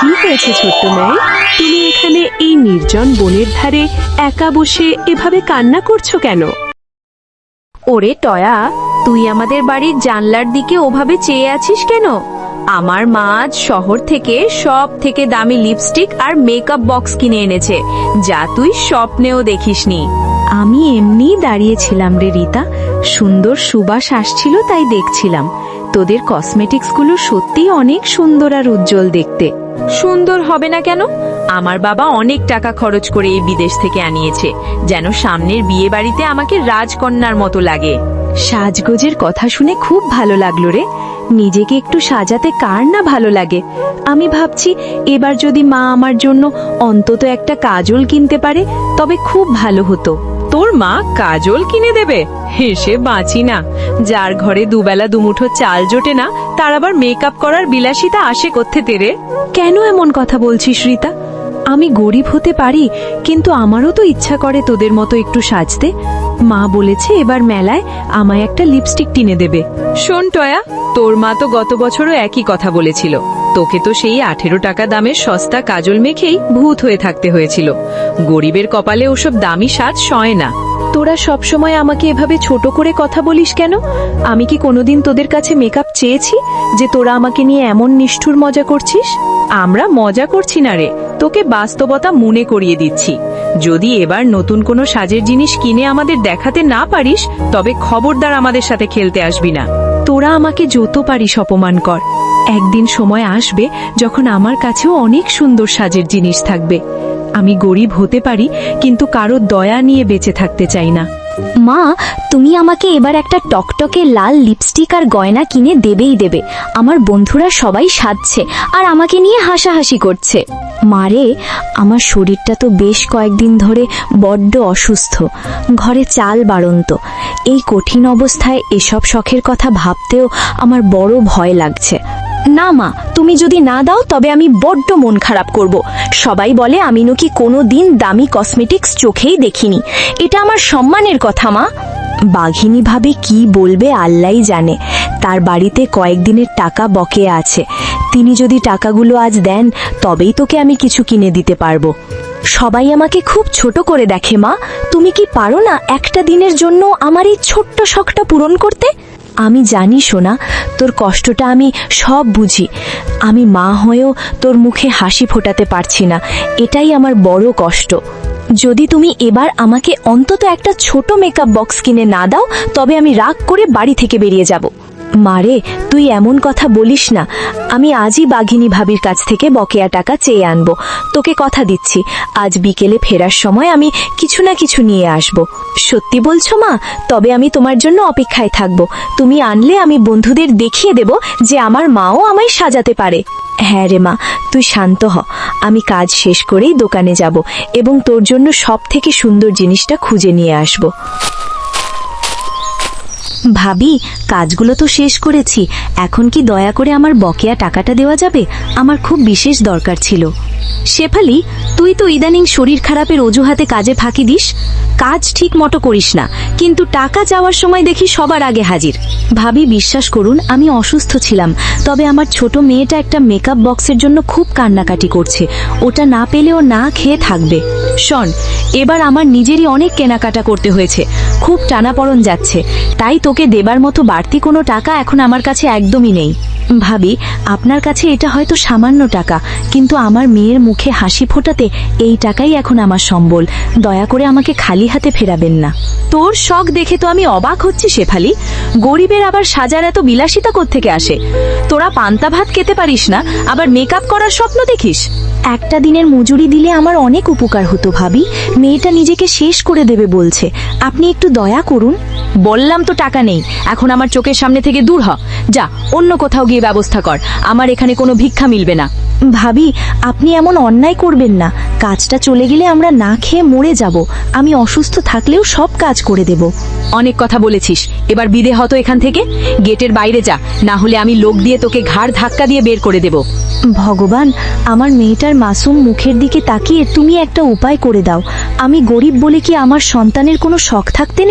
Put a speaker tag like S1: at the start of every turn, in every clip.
S1: কি হয়েছে ছোট্ট মেয়ে? তুমি এখানে এই নির্জন বনের ধারে একা বসে এভাবে কান্না করছো কেন?
S2: ওরে টয়া, তুই আমাদের বাড়ির জানলার দিকে ওভাবে চেয়ে আছিস কেন? আমার মা আজ শহর থেকে সব থেকে দামি লিপস্টিক আর মেকআপ বক্স কিনে এনেছে, যা তুই স্বপ্নেও দেখিসনি।
S1: আমি এমনিই দাঁড়িয়েছিলাম রে রিতা, সুন্দর সুবাস আসছিল তাই দেখছিলাম। তোদের কসমেটিক্সগুলো সত্যিই অনেক সুন্দর আর উজ্জ্বল দেখতে।
S2: সুন্দর হবে না কেন? আমার বাবা অনেক টাকা খরচ করে এই বিদেশ থেকে আনিয়েছে, যেন সামনের বিয়ে বাড়িতে আমাকে রাজকন্যার মতো লাগে।
S1: সাজগোজের কথা শুনে খুব ভালো লাগলো রে। নিজেকে একটু সাজাতে কার না ভালো লাগে। আমি ভাবছি এবার যদি মা আমার জন্য অন্তত একটা কাজল কিনতে পারে তবে খুব ভালো হতো।
S2: তোর মা কাজল কিনে দেবে? হেসে বাঁচি না। যার ঘরে দুবেলা দুমুঠো চাল জোটে না, তার আবার মেকআপ করার বিলাসিতা আসে কোত্থেকে রে?
S1: কেন এমন কথা বলছিস রিতা? আমি গরিব হতে পারি, কিন্তু আমারও তো ইচ্ছা করে তোদের মতো একটু সাজতে। মা বলেছে এবার মেলায় আমায় একটা লিপস্টিক কিনে দেবে।
S2: শোন টয়া, তোর মা তো গত বছরও একই কথা বলেছিল। তোকে তো সেই 18 টাকা দামের সস্তা কাজল মেখেই ভূত হয়ে থাকতে হয়েছিল। গরিবের কপালে ওসব দামি সাজ সয় না।
S1: তোরা সবসময় আমাকে এভাবে ছোট করে কথা বলিস কেন? আমি কি কোনোদিন তোদের কাছে মেকআপ চেয়েছি যে তোরা আমাকে নিয়ে এমন নিষ্ঠুর মজা করছিস?
S2: আমরা মজা করছি না রে, তোকে বাস্তবতা মনে করিয়ে দিচ্ছি। যদি এবার নতুন কোনো সাজের জিনিস কিনে আমাদের দেখাতে না পারিস, তবে খবরদার আমাদের সাথে খেলতে আসবি না।
S1: তোরা আমাকে যত পারিস অপমান কর, একদিন সময় আসবে যখন আমার কাছেও অনেক সুন্দর সাজের জিনিস থাকবে। আমি গরিব হতে পারি, কিন্তু কারো দয়া নিয়ে বেঁচে থাকতে চাই না।
S3: মা, তুমি আমাকে এবার একটা টকটকে লাল লিপস্টিক আর গয়না কিনে দেবেই দেবে। আমার বন্ধুরা সবাই সাজছে আর আমাকে নিয়ে হাসাহাসি করছে। মারে, আমার শরীরটা তো বেশ কয়েকদিন ধরে বড্ড অসুস্থ, ঘরে চাল বাড়ন্ত। এই কঠিন অবস্থায় এসব শখের কথা ভাবতেও আমার বড় ভয় লাগছে। না মা, তুমি যদি না দাও তবে আমি বড্ড মন খারাপ করব। সবাই বলে আমি নাকি কোনো দিন দামি কসমেটিক্স চোখেই দেখিনি। এটা আমার সম্মানের কথা মা। বাঘিনী ভাবে কি বলবে আল্লাহই জানে। তার বাড়িতে কয়েকদিনের টাকা বকেয়া আছে। তিনি যদি টাকাগুলো আজ দেন তবেই তোকে আমি কিছু কিনে দিতে পারবো। সবাই আমাকে খুব ছোট করে দেখে মা। তুমি কি পারো না একটা দিনের জন্য আমার এই ছোট্ট শখটা পূরণ করতে? আমি জানি সোনা, তোর কষ্টটা আমি সব বুঝি। আমি মা হয়েও তোর মুখে হাসি ফোটাতে পারছি না, এটাই আমার বড় কষ্ট। যদি তুমি এবার আমাকে অন্তত একটা ছোট মেকআপ বক্স কিনে না দাও তবে আমি রাগ করে বাড়ি থেকে বেরিয়ে যাব। মারে, তুই এমন কথা বলিস না। আমি আজই বাঘিনী ভাবির কাছ থেকে বকেয়া টাকা চেয়ে আনবো। তোকে কথা দিচ্ছি, আজ বিকেলে ফেরার সময় আমি কিছু না কিছু নিয়ে আসব। সত্যি বলছো মা? তবে আমি তোমার জন্য অপেক্ষায় থাকব। তুমি আনলে আমি বন্ধুদের দেখিয়ে দেব যে আমার মাও আমায় সাজাতে পারে। হ্যাঁ রে মা, তুই শান্ত হ। আমি কাজ শেষ করেই দোকানে যাব এবং তোর জন্য সব থেকে সুন্দর জিনিসটা খুঁজে নিয়ে আসব। ভাবি, কাজগুলো তো শেষ করেছি, এখন কি দয়া করে আমার বকেয়া টাকাটা দেওয়া যাবে? আমার খুব বিশেষ দরকার ছিল। শেফালি, তুই তো ইদানিং শরীর খারাপের অজুহাতে কাজে ফাঁকি দিস। কাজ ঠিক মতো করিস না, কিন্তু টাকা চাওয়ার সময় দেখি সবার আগে হাজির। ভাবি, বিশ্বাস করুন আমি অসুস্থ ছিলাম, তবে আমার ছোট মেয়েটা একটা মেকআপ বক্সের জন্য খুব কান্নাকাটি করছে। ওটা না পেলেও না খেয়ে থাকবে। শোন, এবার আমার নিজেরই অনেক কেনাকাটা করতে হয়েছে, খুব টানাপড়ন যাচ্ছে, তাই তোকে দেবার মতো বাড়তি কোনো টাকা এখন আমার কাছে একদমই নেই। ভাবি, আপনার কাছে এটা হয়তো সামান্য টাকা, কিন্তু আমার মেয়ের মুখে হাসি ফোটাতে এই টাকাই এখন আমার সম্বল। দয়া করে আমাকে খালি হাতে ফেরাবেন না। তোর শখ দেখে তো আমি অবাক হচ্ছি শেফালি। গরিবের আবার সাজার এত বিলাসিতা কোত্থেকে আসে? তোরা পান্তা ভাত খেতে পারিস না, আবার মেকআপ করার স্বপ্ন দেখিস? একটা দিনের মজুরি দিলে আমার অনেক উপকার হতো ভাবি। মেয়েটা নিজেকে শেষ করে দেবে বলছে, আপনি একটু দয়া করুন। বললাম তো টাকা নেই, এখন আমার চোখের সামনে থেকে দূর হ। যা, অন্য কোথাও গিয়ে ব্যবস্থা কর, আমার এখানে কোনো ভিক্ষা মিলবে না। ভাবি, আপনি এমন অন্যায় করবেন না। কাজটা চলে গেলে আমরা না খেয়ে মরে যাব। আমি অসুস্থ থাকলেও সব কাজ করে দেব।
S2: অনেক কথা বলেছিস, এবার বিদে হতো এখান থেকে। গেটের বাইরে যা, না হলে আমি লোক দিয়ে তোকে ঘাড় ধাক্কা দিয়ে বের করে দেব।
S3: ভগবান, আমার মেয়েটার মাসুম মুখের দিকে তাকিয়ে তুমি একটা উপায় করে দাও। আমি গরিব বলে কি আমার সন্তানের কোনো শখ থাকতে নেই?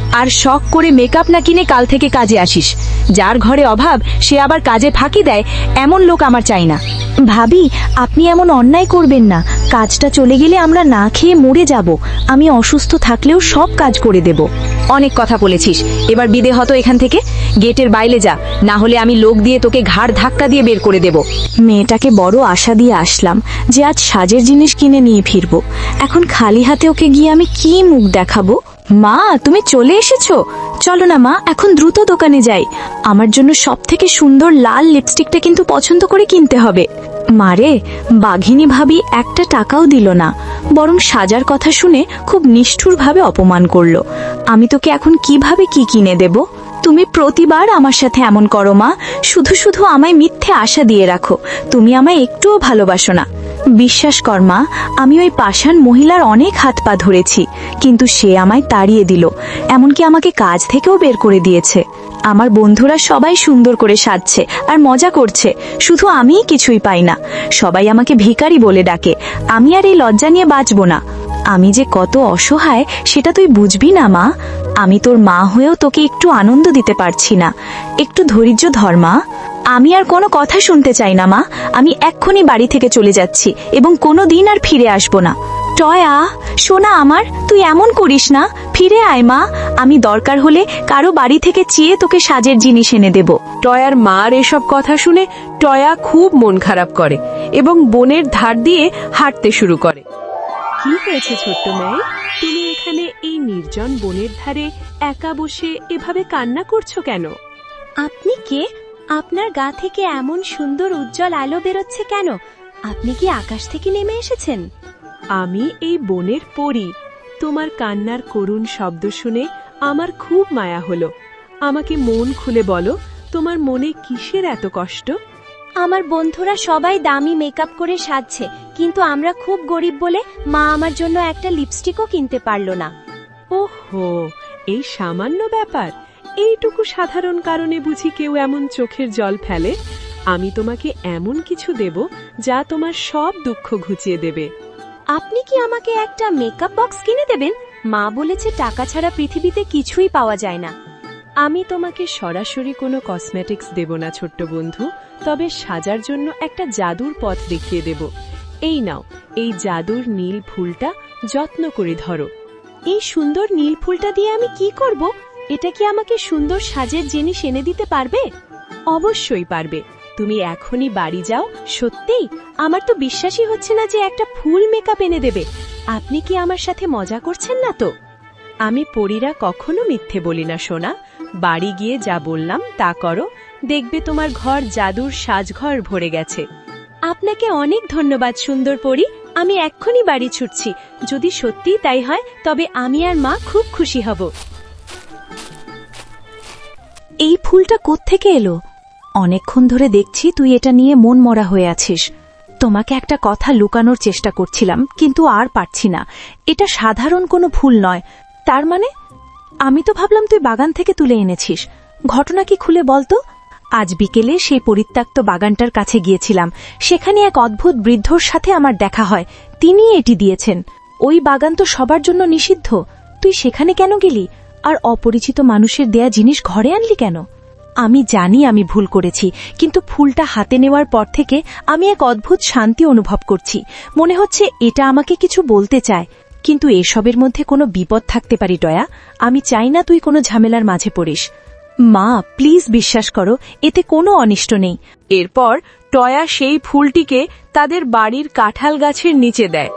S1: আর শখ করে মেকআপ না কিনে কাল থেকে কাজে আসিস। যার ঘরে অভাব সে আবার কাজে ফাঁকি দেয়, এমন লোক আমার চাই না।
S3: ভাবি, আপনি এমন অন্যায় করবেন না। কাজটা চলে গেলে আমরা না খেয়ে মরে যাব। আমি অসুস্থ থাকলেও সব কাজ করে দেব।
S1: অনেক কথা বলেছিস, এবার বিদে হতো এখান থেকে। গেটের বাইরে যা, না হলে আমি লোক দিয়ে তোকে ঘাড় ধাক্কা দিয়ে বের করে দেব।
S3: মেয়েটাকে বড় আশা দিয়ে আসলাম যে আজ সাজের জিনিস কিনে নিয়ে ফিরবো। এখন খালি হাতে ওকে গিয়ে আমি কি মুখ দেখাবো? মা, তুমি চলে এসেছো? চলো না মা, এখন দ্রুত দোকানে যাই। আমার জন্য সব থেকে সুন্দর লাল লিপস্টিকটা কিন্তু পছন্দ করে কিনতে হবে। মারে, বাঘিনী ভাবি একটা টাকাও দিল না, বরং সাজার কথা শুনে খুব নিষ্ঠুরভাবে অপমান করলো। আমি তোকে এখন কিভাবে কি কিনে দেব? তুমি প্রতিবার আমার সাথে এমন করো মা। শুধু শুধু আমায় মিথ্যে আশা দিয়ে রাখো। তুমি আমায় একটুও ভালোবাসো না। বিশ্বাস কর মা, আমি ওই পাষাণ মহিলার অনেক হাত পা ধরেছি, কিন্তু সে আমায় তাড়িয়ে দিল। এমনকি আমাকে কাজ থেকেও বের করে দিয়েছে। আমার বন্ধুরা সবাই সুন্দর করে সাজছে আর মজা করছে, শুধু আমিই কিছুই পাই না। সবাই আমাকে ভিখারি বলে ডাকে। আমি আর এই লজ্জা নিয়ে বাঁচব না। আমি যে কত অসহায় সেটা তুই বুঝবি না মা। আমি তোর মা হয়েও তোকে একটু আনন্দ দিতে পারছি না। একটু ধৈর্য ধর মা। আমি আর কোনো কথা শুনতে চাই না মা। আমি এক্ষুনি বাড়ি থেকে চলে যাচ্ছি এবং কোনো দিন আর ফিরে আসব না। টয়া, সোনা আমার, তুই এমন করিস না। ফিরে আয় মা। আমি দরকার হলে কারো বাড়ি থেকে চেয়ে তোকে সাজের জিনিস এনে দেব।
S2: টয়ার মার এসব কথা শুনে টয়া খুব মন খারাপ করে এবং বনের ধার দিয়ে হাঁটতে শুরু করে।
S1: কি হয়েছে ছোট্ট মেয়ে? তুমি এখানে এই নির্জন বনের ধারে একা বসে এভাবে কান্না করছো কেন?
S3: আপনি কে? আপনার গা থেকে এমন সুন্দর উজ্জ্বল আলো বেরোচ্ছে কেন? আপনি কি আকাশ থেকে নেমে এসেছেন?
S1: আমি এই বনের পরী। তোমার কান্নার করুণ শব্দ শুনে আমার খুব মায়া হলো। আমাকে মন খুলে বলো, তোমার মনে কিসের এত কষ্ট?
S3: আমার বন্ধুরা সবাই দামি মেকআপ করে সাজছে, কিন্তু আমরা খুব গরিব বলে মা আমার জন্য একটা লিপস্টিকও কিনতে পারলো না।
S1: ওহো, এই সামান্য ব্যাপার, এইটুকু সাধারণ কারণে বুঝি কেউ এমন চোখের জল ফেলে? আমি তোমাকে এমন কিছু দেব যা তোমার সব দুঃখ ঘুচিয়ে দেবে।
S3: আপনি কি আমাকে একটা মেকআপ বক্স কিনে দেবেন? মা বলেছে টাকা ছাড়া পৃথিবীতে কিছুই পাওয়া যায় না।
S1: আমি তোমাকে সরাসরি কোনো কসমেটিক্স দেব না ছোট্ট বন্ধু, তবে সাজার জন্য একটা জাদুর পথ দেখিয়ে দেব। এই নাও, এই জাদুর নীল ফুলটা যত্ন করে ধরো।
S3: এই সুন্দর নীল ফুলটা দিয়ে আমি কি করব? এটা কি আমাকে সুন্দর সাজের জিনিস এনে দিতে পারবে?
S1: অবশ্যই পারবে। তুমি এখনই বাড়ি যাও।
S3: সত্যি? আমার তো বিশ্বাসই হচ্ছে না যে একটা ফুল মেকআপ এনে দেবে। আপনি কি আমার সাথে মজা করছেন না তো?
S1: আমি পরীরা কখনো মিথ্যে বলি না সোনা। বাড়ি গিয়ে যা বললাম তা করো, দেখবে তোমার ঘর জাদুর সাজঘর ভরে গেছে।
S3: আপনাকে অনেক ধন্যবাদ সুন্দর পরী। আমি এক্ষুনি বাড়ি ছুটছি। যদি সত্যিই তাই হয় তবে আমি আর মা খুব খুশি হব। এই ফুলটা কোত্থেকে এলো? অনেকক্ষণ ধরে দেখছি তুই এটা নিয়ে মন মরা হয়ে আছিস। তোমাকে একটা কথা লুকানোর চেষ্টা করছিলাম, কিন্তু আর পারছি না। এটা সাধারণ কোনো ফুল নয়। তার মানে? আমি তো ভাবলাম তুই বাগান থেকে তুলে এনেছিস। ঘটনা কি খুলে বলতো? আজ বিকেলে সেই পরিত্যক্ত বাগানটার কাছে গিয়েছিলাম। সেখানে এক অদ্ভুত বৃদ্ধর সাথে আমার দেখা হয়। তিনি এটি দিয়েছেন। ওই বাগান তো সবার জন্য নিষিদ্ধ। তুই সেখানে কেন গেলি? আর অপরিচিত মানুষের দেয়া জিনিস ঘরে আনলি কেন? আমি জানি আমি ভুল করেছি, কিন্তু ফুলটা হাতে নেওয়ার পর থেকে আমি এক অদ্ভুত শান্তি অনুভব করছি। মনে হচ্ছে এটা আমাকে কিছু বলতে চায়। কিন্তু এসবের মধ্যে কোনো বিপদ থাকতে পারি টয়া। আমি চাই না তুই কোনো ঝামেলার মাঝে পড়িস। মা, প্লিজ বিশ্বাস করো, এতে কোনো অনিষ্ট নেই।
S2: এরপর টয়া সেই ফুলটিকে তাদের বাড়ির কাঁঠাল গাছের নিচে দেয়।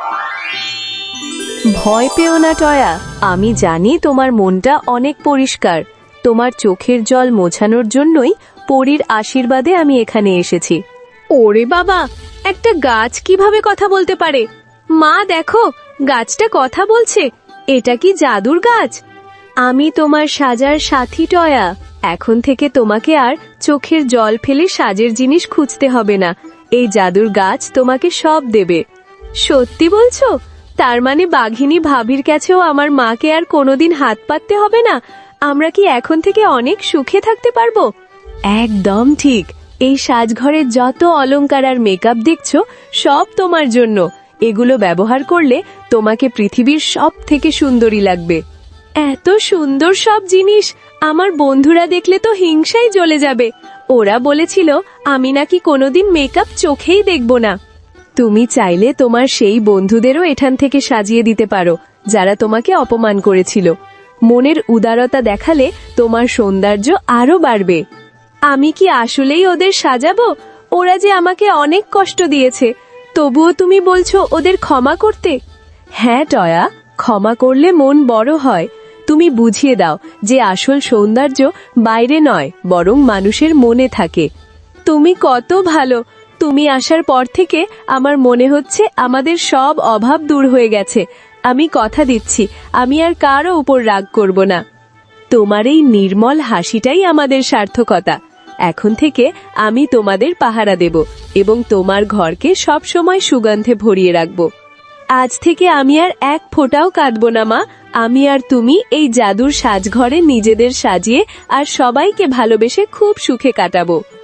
S2: ভয় পেও না টয়া, আমি জানি তোমার মনটা অনেক পরিষ্কার। তোমার চোখের জল মোছানোর জন্যই পরীর আশীর্বাদে আমি এখানে এসেছি। ওরে বাবা, একটা গাছ কিভাবে কথা বলতে পারে? মা দেখো, গাছটা কথা বলছে। এটা কি জাদুর গাছ? আমি তোমার সাজার সাথী টয়া। এখন থেকে তোমাকে আর চোখের জল ফেলে সাজের জিনিস খুঁজতে হবে না। এই জাদুর গাছ তোমাকে সব দেবে। সত্যি বলছো? তার মানে বাঘিনী ভাবির কাছেও আমার মাকে আর কোনোদিন হাত পাততে হবে না? আমরা কি এখন থেকে অনেক সুখে থাকতে পারবো? একদম ঠিক। এই সাজঘরের যত অলংকার আর মেকআপ দেখছো সব তোমার জন্য। এগুলো ব্যবহার করলে তোমাকে পৃথিবীর সব থেকে সুন্দরী লাগবে। এত সুন্দর সব জিনিস আমার বন্ধুরা দেখলে তো হিংসাই জ্বলে যাবে। ওরা বলেছিল আমি নাকি কোনোদিন মেকআপ চোখেই দেখব না। তুমি চাইলে তোমার সেই বন্ধুদেরও এখান থেকে সাজিয়ে দিতে পারো যারা তোমাকে অপমান করেছিল। মনের উদারতা দেখালে তোমার সৌন্দর্য আরো বাড়বে। আমি কি আসলেই ওদের সাজাবো? ওরা যে আমাকে অনেক কষ্ট দিয়েছে, তবুও তুমি বলছো ওদের ক্ষমা করতে? হ্যাঁ টয়া, ক্ষমা করলে মন বড় হয়। তুমি বুঝিয়ে দাও যে আসল সৌন্দর্য বাইরে নয়, বরং মানুষের মনে থাকে। তুমি কত ভালো। তুমি আসার পর থেকে আমার মনে হচ্ছে আমাদের সব অভাব দূর হয়ে গেছে। আমি কথা দিচ্ছি আমি আর কারো উপর রাগ করব না। তোমার এই নির্মল হাসিটাই আমাদের সার্থকতা। এখন থেকে আমি তোমাদের পাহারা দেব এবং তোমার ঘরকে সব সময় সুগন্ধে ভরিয়ে রাখব। আজ থেকে আমি আর এক ফোঁটাও কাঁদব না মা। আমি আর তুমি এই জাদুর সাজঘরে নিজেদের সাজিয়ে আর সবাইকে ভালোবেসে খুব সুখে কাটাবো।